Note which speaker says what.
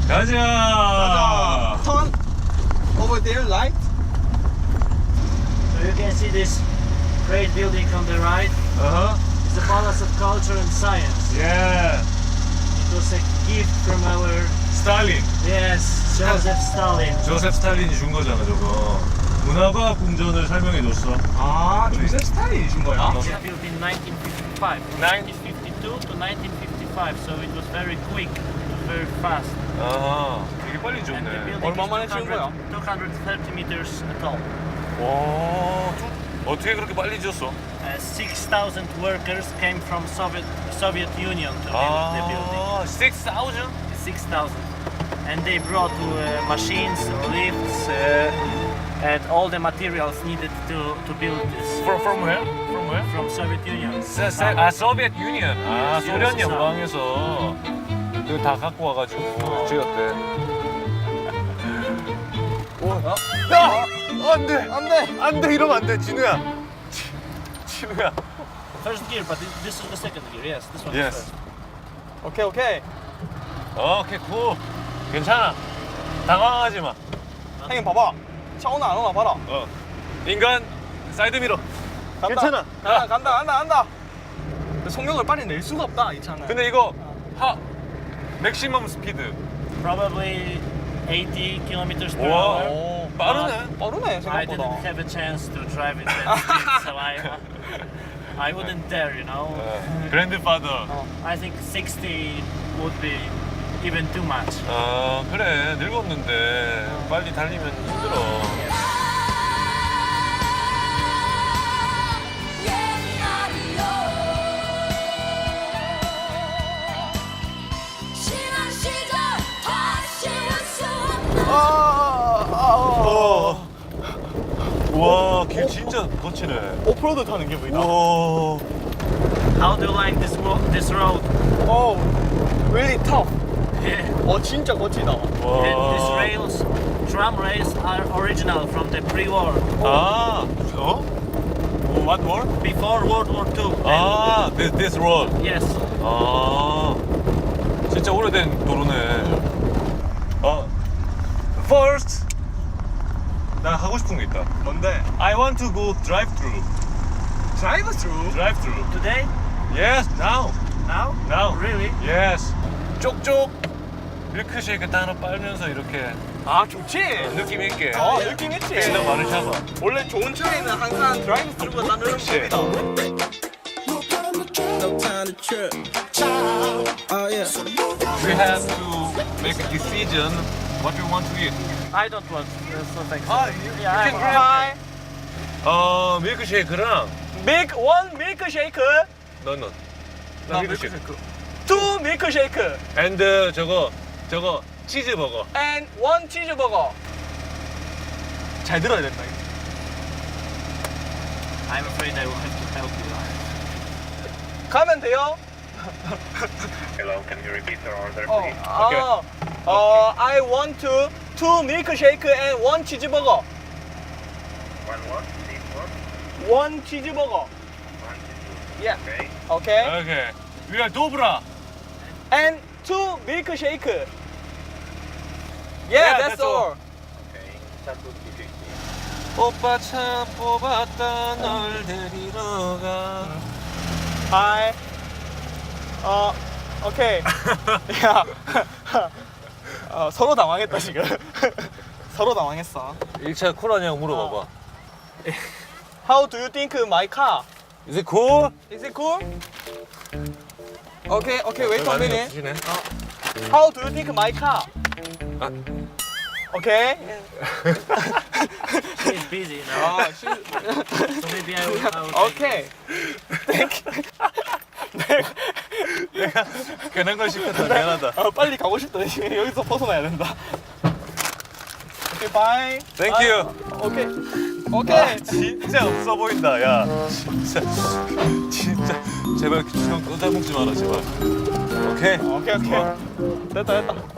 Speaker 1: 가자.
Speaker 2: Turn over there, right?
Speaker 3: So you can see this great building on the right. It's the Palace of Culture and Science.
Speaker 1: 예.
Speaker 3: It was a gift from our
Speaker 1: 스탈린.
Speaker 3: Joseph Stalin.
Speaker 1: 조셉 스탈린이 준 거잖아 저거. 문화과학 궁전을 설명해 줬어.
Speaker 2: 아, 조셉 스탈린이 준 거야?
Speaker 3: It was built in 1955. 1952 to 1955. So it was very quick, very fast.
Speaker 1: 아, 되게 빨리
Speaker 3: And the
Speaker 1: 줬네.
Speaker 3: building
Speaker 2: 얼마
Speaker 3: is
Speaker 2: 만에 지은 거야?
Speaker 3: 230 meters tall.
Speaker 1: 와, 어떻게 그렇게 빨리 지었어?
Speaker 3: 6,000 workers came from Soviet Union to build the building.
Speaker 1: 아, 6,000?
Speaker 3: 6,000. And they brought machines, lifts, and all the materials needed to build this.
Speaker 1: From where? From where?
Speaker 3: From Soviet Union.
Speaker 1: 소비에트 유니언. 아, 소련 연방에서 그거 다 갖고 와가지고 지었대. 야! 안 돼!
Speaker 2: 안 돼!
Speaker 1: 안 돼! 이러면 안 돼, 진우야. 진우야.
Speaker 3: First gear, but this is the second gear. Yes, this one
Speaker 1: Yes.
Speaker 3: is first.
Speaker 2: 오케이, 오케이.
Speaker 1: 오케이, 굿. 괜찮아. 당황하지 마.
Speaker 2: 형님 봐봐. 차 오나 안 오나 봐라.
Speaker 1: 인간 사이드 미러.
Speaker 2: 간다.
Speaker 1: 괜찮아.
Speaker 2: 간다. 속력을 빨리 낼 수가 없다, 이 차는.
Speaker 1: 근데 이거 맥시멈 스피드.
Speaker 3: Probably 80 kilometers per
Speaker 1: 와,
Speaker 3: hour.
Speaker 2: 오,
Speaker 1: 빠르네.
Speaker 2: 빠르네,
Speaker 3: I
Speaker 2: 생각보다.
Speaker 3: didn't have a chance to drive it that speed, so I wouldn't dare, you know.
Speaker 1: 그랜드파더.
Speaker 3: I think 60 would be even too much.
Speaker 1: 아, 그래. 늙었는데 빨리 달리면 힘들어. 와, 길 진짜 거치네.
Speaker 2: 오프로드 타는 기분이다.
Speaker 1: 와.
Speaker 3: How do you like this road?
Speaker 2: 오, really tough.
Speaker 3: Yeah.
Speaker 2: 진짜 거치다.
Speaker 3: And these
Speaker 1: 와.
Speaker 3: rails, tram rails, are original from the pre-war,
Speaker 1: 아, What more?
Speaker 3: before World War II.
Speaker 1: 아, this road.
Speaker 3: Yes.
Speaker 1: 아, 진짜 오래된 도로네. First, 나 하고 싶은 게 있다.
Speaker 2: 뭔데?
Speaker 1: I want to go drive-through.
Speaker 2: 드라이브 스루?
Speaker 1: Drive-through.
Speaker 3: Today?
Speaker 1: Yes, now.
Speaker 3: Now?
Speaker 1: Now.
Speaker 3: Really?
Speaker 1: Yes. 쪽쪽 밀크쉐이크 따로 빨면서 이렇게
Speaker 2: 아, 좋지.
Speaker 1: 느낌 있게.
Speaker 2: 느낌 있지.
Speaker 1: 진짜 많은 샤워.
Speaker 2: 원래 좋은 차에는 항상 드라이브 스루가 따르는
Speaker 1: 그치.
Speaker 2: 법이다.
Speaker 4: No time to trip. Oh yeah.
Speaker 1: We have to make a decision what we want to eat.
Speaker 3: I don't want so thanks.
Speaker 1: you
Speaker 3: Yeah,
Speaker 1: can
Speaker 3: I'm-
Speaker 2: 하이.
Speaker 1: 밀크쉐이크랑
Speaker 2: 원 밀크쉐이크.
Speaker 1: 나
Speaker 2: 나
Speaker 1: 밀크쉐이크.
Speaker 2: 밀크쉐이크. 투 밀크쉐이크.
Speaker 1: And 저거 치즈버거.
Speaker 2: And 원 치즈버거. 잘 들어야 된다.
Speaker 3: I'm afraid I will have to help you.
Speaker 2: 가면 돼요?
Speaker 5: Hello, can you repeat your order,
Speaker 2: 어,
Speaker 5: please?
Speaker 2: I want to two milkshake and one cheeseburger.
Speaker 5: One what? Please what?
Speaker 2: One cheeseburger.
Speaker 5: One, two.
Speaker 2: Yeah.
Speaker 5: Okay.
Speaker 2: Okay.
Speaker 1: 오케이. We are 도브라.
Speaker 2: And two milkshake. Yeah, that's all.
Speaker 5: Okay. That would be 50.
Speaker 1: 오빠 차 뽑았다 널 데리러 가.
Speaker 2: Hi. 오케이. 야. 서로 당황했다 지금. 서로 당황했어.
Speaker 1: 1차 쿨하냐고 물어봐봐.
Speaker 2: How do you think my car?
Speaker 1: Is it cool?
Speaker 2: Is it cool? Okay, wait a minute.
Speaker 1: 없으시네.
Speaker 2: How do you think my car?
Speaker 1: 아.
Speaker 2: Okay.
Speaker 3: She's busy now. So maybe I will
Speaker 2: Okay. Thank you.
Speaker 1: 괜한 걸 시켰다. 미안하다.
Speaker 2: 빨리 가고 싶다. 여기서 벗어나야 된다. 오케이, 바이.
Speaker 1: Thank you.
Speaker 2: 오케이. 오케이.
Speaker 1: 진짜 없어 보인다. 야, 진짜 제발 형 꺼자 먹지 마라 제발. 오케이.
Speaker 2: 오케이. 됐다.